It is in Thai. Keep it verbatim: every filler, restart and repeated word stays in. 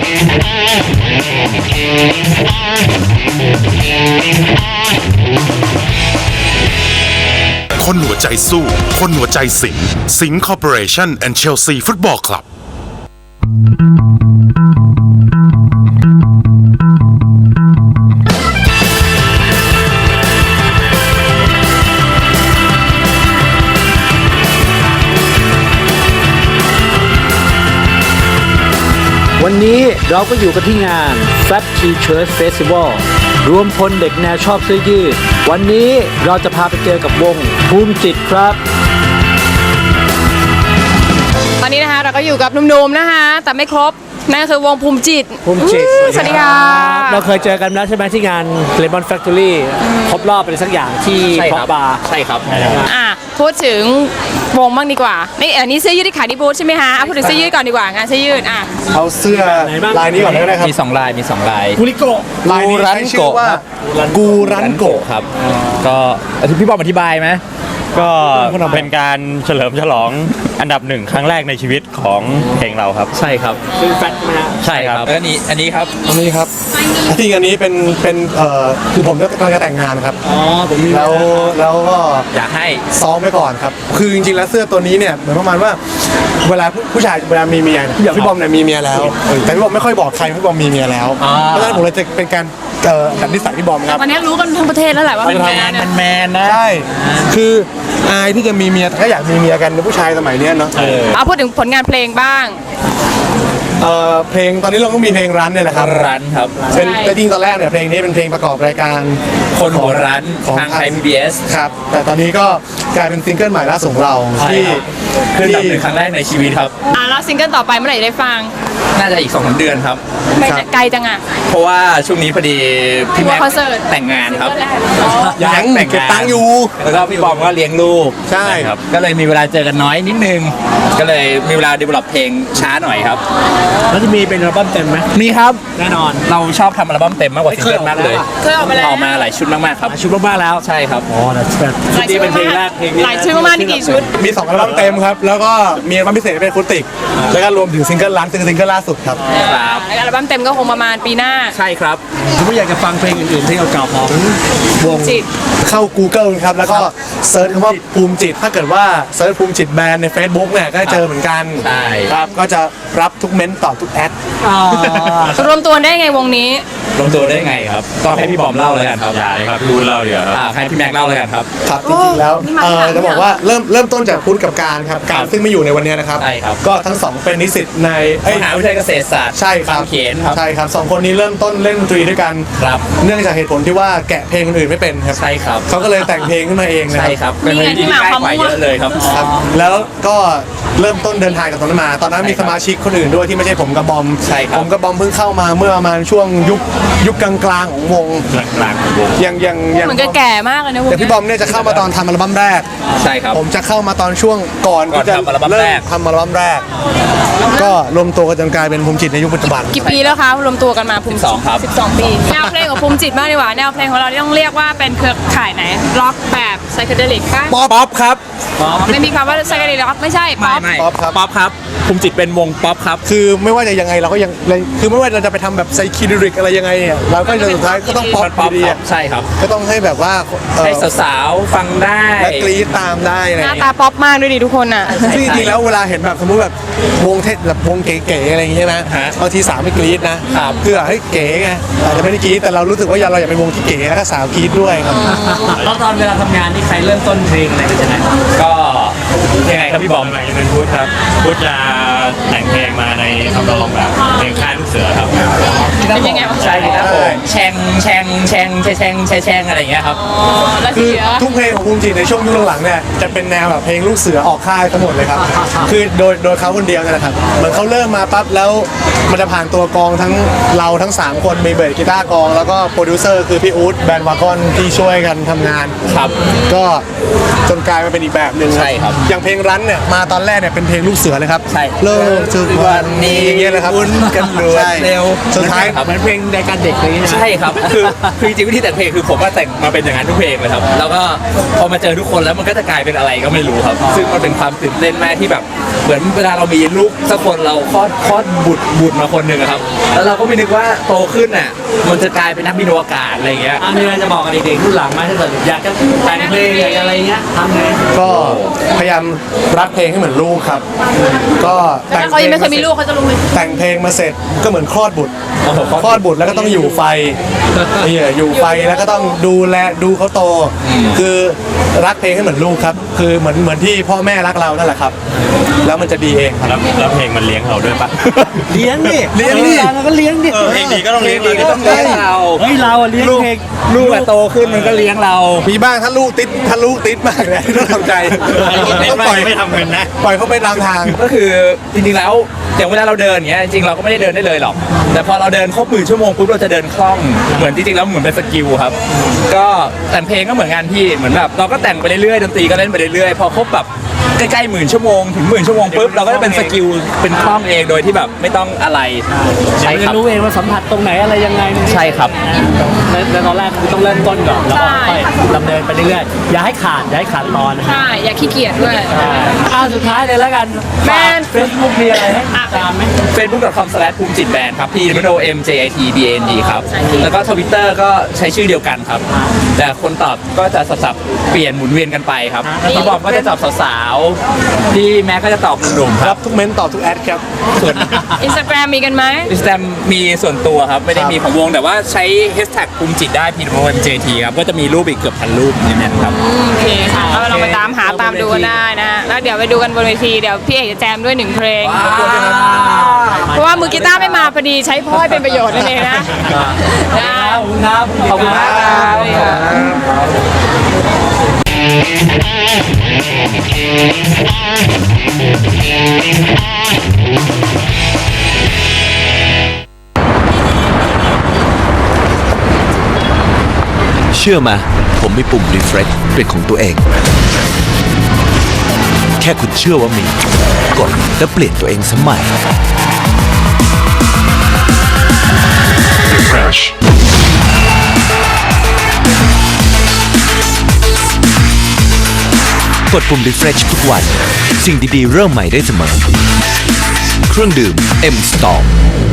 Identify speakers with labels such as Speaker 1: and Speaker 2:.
Speaker 1: คนหัวใจสู้คนหัวใจสิงห์สิงห์คอร์ปอเรชั่นแอนด์เชลซีฟุตบอลคลับ
Speaker 2: วันนี้เราก็อยู่กันที่งาน Fat T-Shirt Festival รวมพลเด็กแนวชอบเสื้อยืดวันนี้เราจะพาไปเจอกับวงภูมิจิตครับ
Speaker 3: ตอนนี้นะคะเราก็อยู่กับหนุ่มๆนะคะแต่ไม่ครบนั่นคือวงภูมิจิต
Speaker 2: ภูมิจิต
Speaker 3: สวัสดีค่ะ
Speaker 2: เราเคยเจอกันแล้วใช่ไหมที่งาน Lemon Factory ครบรอบเป็นสักอย่างที่พอกบาร์
Speaker 4: ใช่ครับ
Speaker 3: อ่ะพูดถึงวงบ้างดีกว่านี่อันนี้เสื้อยืดที่ขายที่บูธใช่ไหมคะเอาพูดถึงเสื้อยืดก่อนดีกว่างานเสื้อยืดอ่ะ
Speaker 5: เอาเสื้อลายนี้ก่อนก็ได้ครับ
Speaker 4: มีสองลายมีสองลาย
Speaker 2: กูริโกะ
Speaker 5: ลายนี้ใช้ชื่อว่ากูรันโกะ
Speaker 4: ครับก็พี่บอมอธิบายไหม
Speaker 6: ก็เป็นการเฉลิมฉลองอันดับหนึ่งครั้งแรกในชีวิตของเพลงเราครับ
Speaker 4: ใช่ครับ
Speaker 2: คือแฟตนะ
Speaker 4: ใช่ครับแล้วนี้อันนี้ครับ
Speaker 5: อันนี้ครับจริงอันนี้เป็นเป็นเอ่อคือผมกำลังจะแต่งงานครับ
Speaker 2: อ๋อผมมี
Speaker 5: แล้วแล้วก็
Speaker 4: อยากให้
Speaker 5: ซ้อมไว้ก่อนครับคือจริงๆแล้วเสื้อตัวนี้เนี่ยเหมือนประมาณว่าเวลาผู้ชายเวลามีเมียอย่างพี่บอมเนี่ยมีเมียแล้วแต่พี่บอมไม่ค่อยบอกใครพี่บอมมีเมียแล้วเพราะฉะนั้นผมเลยจะเป็นการเอ่อดัดนิสัยพี่บอมครับ
Speaker 3: วันนี้รู้กันทั้งประเทศแล้วแหละว่าเป็นแมน
Speaker 4: มันแมนนะ
Speaker 5: ใช่คืออายที่จะมีเมียแต่ก็อยากมีเมียกันในผู้ชายสมัยนี้เนาะ
Speaker 3: เอาพูดถึงผลงานเพลงบ้าง
Speaker 5: เอ่อเพลงตอนนี้เราก็มีเพลงรันเนี่ยแหละครับ
Speaker 4: รันครับ
Speaker 5: เป็นแต่จริงตอนแรกเนี่ยเพลงนี้เป็นเพลงประกอบรายการ
Speaker 4: คนหัวรันทางไทย พี บี เอส
Speaker 5: ครับแต่ตอนนี้ก็กลายเป็นซิงเกิลใหม่ล่าสุดของเราที่
Speaker 4: ขึ้นอันดับหนึ่งครั้งแรกในชีวิตครับ
Speaker 3: อ่ะแล้วซิงเกิลต่อไปเมื่อไหร่ได้ฟัง
Speaker 4: น่าจะอีก สองถึงสาม เดือนครับ
Speaker 3: ไกลจังอ่ะ
Speaker 4: เพราะว่าช่วงนี้พอดีพี่แม็กแต่งงานครับ
Speaker 5: ยังแต่งเก็บตังค์อยู่
Speaker 4: แล้วก็พี่บอมก็เลี้ยงลูก
Speaker 5: ใช่
Speaker 4: ครับก็เลยมีเวลาเจอกันน้อยนิดนึงก็เลยมีเวลาดีเวลลอปเพลงช้าหน่อยครับ
Speaker 2: แล้วจะมีเป็นอัลบั้มเต็มไหม
Speaker 4: มีครับ
Speaker 2: แน่นอน
Speaker 4: เราชอบทำอัลบั้มเต็มมากกว่าซิงเกิลมากเลย
Speaker 3: เคยออกมาแล้ว
Speaker 4: ออกมาหลายชุดมากๆครับ
Speaker 2: ชุดมากๆแล้ว
Speaker 4: ใช่ครับ
Speaker 2: อ๋อแต่ชุดนี้เป็นเพลงแรกเพลงนี้
Speaker 3: หลายชุดมากๆนี่กี่ชุด
Speaker 5: มีสองอัลบั้มเต็มครับแล้วก็มีอัลบั้มพิเศษเป็นคูติกแล้วก็รวมถึงซิงเกิลรันซิงเกิลล่าสุดครับ
Speaker 4: ครับ
Speaker 3: อัลบั้มเต็มก็คงประมาณปีหน้า
Speaker 4: ใช่ครับ
Speaker 2: ถ้าอยากจะฟังเพลงอื่นๆที่เก่าๆของวง
Speaker 3: จิต
Speaker 5: เข้า Google ครับแล้วก็เซิร์ชคำว่าภูมิจิตถ้าเกิดว่าเซิร์ชภูมิจิตแบรนด์ใน Facebook เนี่ยก็เจอเหมือนกัน
Speaker 4: ใช่
Speaker 5: ครับก็จะรับทุกเม้นต์ตอบทุกแอด
Speaker 3: รวมตัวได้ไงวงนี้
Speaker 4: รวมตัวได้ไงครับต้องให้พี่บอมเล่าเลยกันครับ
Speaker 6: อย่าเลยครับพูดเล่าเดี๋ยวครับ
Speaker 4: ให้พี่แม็กเล่าเลยกันครับ
Speaker 5: ครับจริงๆแล้วเออจะบอกว่าเริ่มเริ่มต้นจากพุทธกับการครับการซึ่งไม่อยู่ในวันนี้นะครับก็ทั้งสองเป็นนิสิตใน
Speaker 4: มหาวิทยาลัยเกษตรศาสตร์
Speaker 5: ใช่ครับ
Speaker 4: เขียนครับ
Speaker 5: ใช่ครับสองคนนี้เริ่มต้นเล่นดนตรีด้วยกัน
Speaker 4: ครับ
Speaker 5: เนื่องจากเหตุผลที่ว่าแกะเพลงคนอื่นไม่เป็นครับ
Speaker 4: ใช่ครับ
Speaker 5: เขาก็เลยแต่งเพลงขึ้นมาเองนะ
Speaker 4: ใช่ครับเป็นเพลงที่ง่ายกว่าเยอะเลยครับ
Speaker 5: แล้วก็เริ่มต้นเดินทางกับตอนนั้นมาตอนนั้นมีสมาชิกคนอื่นด้วยที่ไม่ใช่ผมกับบอมผมกับบอมเพิ่งเข้ามาเมื่อประมาณช่วงยุคยุคกลางๆของวง
Speaker 6: กลางๆของวง
Speaker 5: ยังยังยัง
Speaker 3: เหมือนแก่มากเลยนะวง
Speaker 5: แต่พี่บอมเนี่ยจะเข้ามาตอนทำอัลบั้มแรก
Speaker 4: ใช่ครับ
Speaker 5: ผมจะเข้ามาตอนช่วงก่อนที่จะเริ่มทำอัลบั้มแรกก็รวมตัวกันจนกลายเป็นภูมิจิตในยุคปัจจุบัน
Speaker 3: กี่ปีแล้วคะรวมตัวกันมาภูมิจิตสิบสองปีแนวเพลงของภูมิจิตมากดีกว่าแนวเพลงของเราต้องเรียกว่าเป็นเครือข่ายไหนร็อกแบบไซเคเดลิกป่ะ
Speaker 4: ป๊อปครับ
Speaker 3: ไม่มีคำว่าไซเคเดลิกร็อกไม่ใช่ป๊อป
Speaker 5: ป๊อปครับ
Speaker 4: ป๊อปครับภูมิจิตเป็นวงป๊อปครับ
Speaker 5: คือไม่ว่าจะยังไงเราก็ยังคือไม่ว่าเราจะไปทำแบบไซเคเดลิกอะไรยังไงเนี่ยเราก็จะสุดท้ายก็ต้องป๊อปดี
Speaker 4: ใช่ครับ
Speaker 5: ก็ต้องให้แบบว่า
Speaker 4: ให้สาวๆฟังได้
Speaker 5: และกรี๊ดตามได้อะไร
Speaker 3: หน้าตาป๊อปมากด้วยดิทุกคนอ่ะ
Speaker 5: ซึ่งจริงๆแล้วเวลาเห็นแบบสมมติแบบวงเทศแบบวงเก๋ๆอะไรอย่างเงี้ยนะบางทีสาวไม่กรี๊ดนะคือให้เก๋ไงอาจจะไม่ได้กรี๊ดแต่เรารู้สึกว่าเราอยากเป็นวงที่เก๋แล้วก็สาวกรี๊ดด้วยครับ
Speaker 2: แล้วตอนเวลาทำงานนี่ใครเริ่มต้นเพลงอะไรกันใช่ไหม
Speaker 4: ก็ยังไงครับพี่บอม
Speaker 6: จะเป็นพุทธครับพุทธจะแต่งเพลงมาในทำนองแบบเพลงค่ายลูกเสือครับ
Speaker 3: เป็นยังไง
Speaker 4: ใช่ครับผมแชงแชงแชงแชงแชงแชงอะไรอย่างเงี้ยครับ
Speaker 5: คือทุกเพลงของภูมิจิตในช่วงยุคหลังๆเนี่ยจะเป็นแนวแบบเพลงลูกเสือออกค่ายทั้งหมดเลยครับคือโดยโดยเขาคนเดียวนี่แหละครับเหมือนเขาเริ่มมาปั๊บแล้วมันจะผ่านตัวกองทั้งเราทั้งสามคนมีเบสกีตาร์กองแล้วก็โปรดิวเซอร์คือพี่อู๊ดแบนด์วากอนที่ช่วยกันทำงาน
Speaker 4: ครับ
Speaker 5: ก็จนกลายมาเป็นอีกแบบหนึ่ง
Speaker 4: ใช่ครับ
Speaker 5: อย่างเพลงรันเนี่ยมาตอนแรกเนี่ยเป็นเพลงลูกเสือเลยครับ
Speaker 4: ใช่
Speaker 5: เริ่มทุกวันนี้อย่างเงี้ยเลยครับ
Speaker 4: คุ้นกันรวดเร็ว
Speaker 5: สุดท้าย
Speaker 2: เหมือนเพลงรายการเด็กเลย
Speaker 4: ใช่ครับคือคือจริงวิธีแต่งเพลงคือผมก็แต่งมาเป็นอย่างนั้นทุกเพลงเลยครับแล้วก็พอมาเจอทุกคนแล้วมันก็จะกลายเป็นอะไรก็ไม่รู้ครับซึ่งมันเป็นความตื่นเต้นมากที่แบบเหมือนเวลาเรามีลูกสักคนเราคลอดคลอดบุตรบุตรมาคนหนึ่งอะครับ แล้วเราก็ไม่นึกว่าโตขึ้นน่ะมันจะกลายเป็นนักบินอวกาศอะไรอย่างเงี้ย
Speaker 2: อันนี้เราจะบอกกับเด็กๆรุ่นหลังไหมถ้าเกิดอยากจะแต่งเพลงอยากจะอะไรเงี้ยทำไง
Speaker 5: ก็พยายามรักเพลงให้เหมือนลูกครับ ก็แต่ง
Speaker 3: ถ้าเขายังไม่เคยมีลูกเขาจะรู้ไหม
Speaker 5: แต่งเพลงมาเสร็จก็เหมือนคลอดบุตร
Speaker 4: โอ้โห
Speaker 5: คลอดบุตรแล้วก็ต้องอยู่ไฟนี่อยู่ไฟแล้วก็ต้องดูแลดูเขาโต คือรักเพลงให้เหมือนลูกครับ คือเหมือนเหมือนที่พ่อแม่รักเรานั่นแหละครับ แล้วมันจะดีเองครับ
Speaker 6: แล้วแล้วเพลงมันเลี้ยงเราด้วยปะ
Speaker 2: เลี้ยงดิ
Speaker 5: เลี้ยงดิ
Speaker 2: เราก็เลี้ยงดิ
Speaker 6: เพลงดีก็ต้องเลี้ยง
Speaker 4: ดีก็ต้องเลี้ยงเรา
Speaker 2: เฮ้ยเราอะเลี้ยงเพลง
Speaker 4: ลูกอะโตขึ้นมันก็เลี้ยงเรา
Speaker 5: มีบ้างถ้าลูกติดถ้าลูกติดมากเลยต้องทำใจ
Speaker 6: เน้น
Speaker 5: ต้อง
Speaker 6: ว่า
Speaker 5: ปล่อย
Speaker 6: ไม่ทำเงินนะ
Speaker 5: ปล่อยเขาไปตามทาง
Speaker 4: ก็คือจริงๆแล้วอย่างเวลาเราเดินอย่างเงี้ยจริงๆเราก็ไม่ได้เดินได้เลยหรอก แต่พอเราเดินครบหมื่นชั่วโมงปุ๊บเราจะเดินคล่องเหมือนจริงๆแล้วเหมือนเป็นสกิลครับ ก็แต่งเพลงก็เหมือนกันพี่เหมือนแบบเราก็แต่งไปเรื่อยๆดนตรีก็เล่นไปเรื่อยๆพอครบแบบใกล้ๆหมื่นชั่วโมงถึงหมื่นชั่วโมงปุ๊บเราก็จะเป็นสกิลเป็นคล่องเองโดยที่แบบไม่ต้องอะไรใช่
Speaker 2: เดี๋ยว
Speaker 4: ค
Speaker 2: จะ
Speaker 4: รับ
Speaker 2: รู้เองว่าสัมผัสตรงไหนอะไรยังไงมัน
Speaker 4: ใช่ครับ
Speaker 2: ในในตอนแรกคือต้องเริ่มต้นก่อนแล้วก็ค่อยดำเนินไปเรื่อยๆอย่าให้ขาดอย่าให้ขาดตอนนะ
Speaker 3: ใช่ อย่าขี้เกียจด้วย
Speaker 2: อ่าสุดท้ายเลยแล้วกัน
Speaker 3: แมน
Speaker 2: เฟซบุ๊กมีอะไรให้ตามไหม
Speaker 4: facebook.com slash ภูมิจิตแบนครับ p w o m j i t b a n d ครับ แล้วก็ทวิตเตอร์ก็ใช้ชื่อเดียวกันครับ แต่คนตอบก็จะสับๆเปลี่ยนหมุนเวียนกันไปครับพี่บอมก็จะตอบสาวๆพี่แม็กก็จะตอบหนุ่มๆค
Speaker 5: รั
Speaker 4: รั
Speaker 5: บบ ทุกเม้นต์ตอบทุกแอดครับ
Speaker 4: ส่วน
Speaker 3: อินสตาแกรมมีกันไหม
Speaker 4: อินสตาแกรมมีส่วนตัวครับ ไม่ได้มีของวงแต่ว่าใช้แฮชแท็กภูมิจิตได้ p w o m j i t ครับ ก็จะมีรูปอีกเกือบพันรูปในนั้นครับ
Speaker 3: โอเคค่ะก็ลองไปตามหาตามดูกันได้นะฮะแล้วเดี๋ยวไปดูกันบนเวทีเดี๋ยวพี่เอกจะแจมด้วยหนึ่งเพลง เพราะว่ามือกีตาร์ไม่มาพอดีใช้พ่อให้เป็นประโยชน์นั่นเองนะนะ
Speaker 2: ขอบคุณครับ
Speaker 4: ขอบคุณมากครับ
Speaker 7: เชื่อมา ผมมีปุ่ม refresh เป็นของตัวเอง แค่คุณเชื่อว่ามี กดแล้วเปลี่ยนตัวเองสมัย
Speaker 1: Refresh
Speaker 7: กดปุ่ม refresh ทุกวัน สิ่งดีๆ เริ่มใหม่ได้เสมอ เครื่องดื่ม M Storm